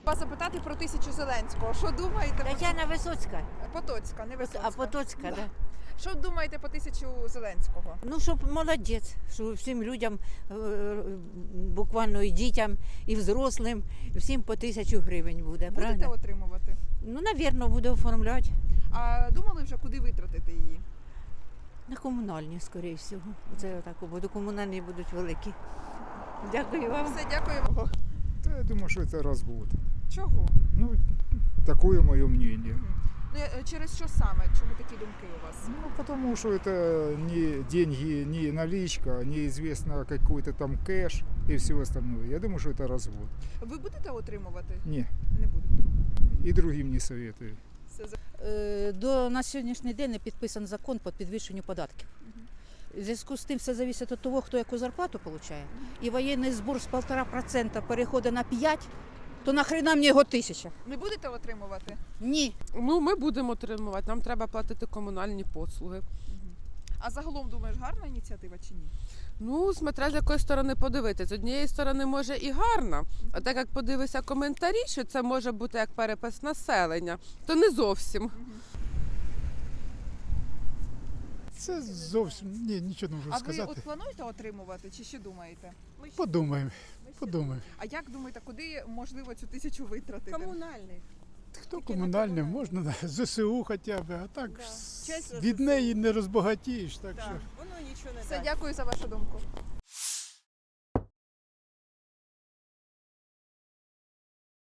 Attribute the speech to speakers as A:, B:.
A: вас запитати про 1000 Зеленського. Що думаєте?
B: Тетяна Висоцька.
A: Потоцька, не Висоцька.
B: А Потоцька, да.
A: Що думаєте по 1000 Зеленського?
B: Ну, щоб молодець, що всім людям, буквально і дітям, і взрослим, всім по 1000 гривень буде,
A: Будете
B: правда?
A: отримувати?
B: Ну, навірно, буде оформляти.
A: А думали вже, куди витратити її?
B: На комунальні, скоріше всього. Це отак, бо комунальні будуть великі. Дякую вам.
A: Все, дякую.
C: Да, я думаю, что это развод.
A: Чого?
C: Ну, такое мое мнение.
A: Ну, через що саме? Чому такі думки у вас?
C: Ну, потому что это не деньги, не наличка, неизвестно какой-то там кэш и все остальное. Я думаю, что это развод.
A: Ви будете отримувати?
C: Не,
A: Не будете.
C: и другим не советую.
D: На сьогоднішній день не підписаний закон по підвищенню податків. В зв'язку з тим все залежить від того, хто яку зарплату отримує. І воєнний збір з 1,5% переходить на 5%, то нахрена мені його 1000?
A: Не будете отримувати?
D: Ні.
E: Ну, ми будемо отримувати, нам треба платити комунальні послуги.
A: А загалом, думаєш, гарна ініціатива чи ні?
E: Ну, смотря з якої сторони подивитися. З однієї сторони, може і гарна, а так як подивися коментарі, що це може бути як перепис населення, то не зовсім.
F: Це зовсім ні, нічого не можу
A: А ви
F: сказати.
A: от плануєте отримувати чи ще думаєте?
F: Подумаємо.
A: А як думаєте, куди можливо цю 1000 витратити?
G: Комунальний.
F: Хто комунальний, можна на ЗСУ хоча б, а так
G: Чесно,
F: від неї не розбагатієш. Так що.
G: Воно нічого не
A: Все,
G: дасть.
A: дякую за вашу думку.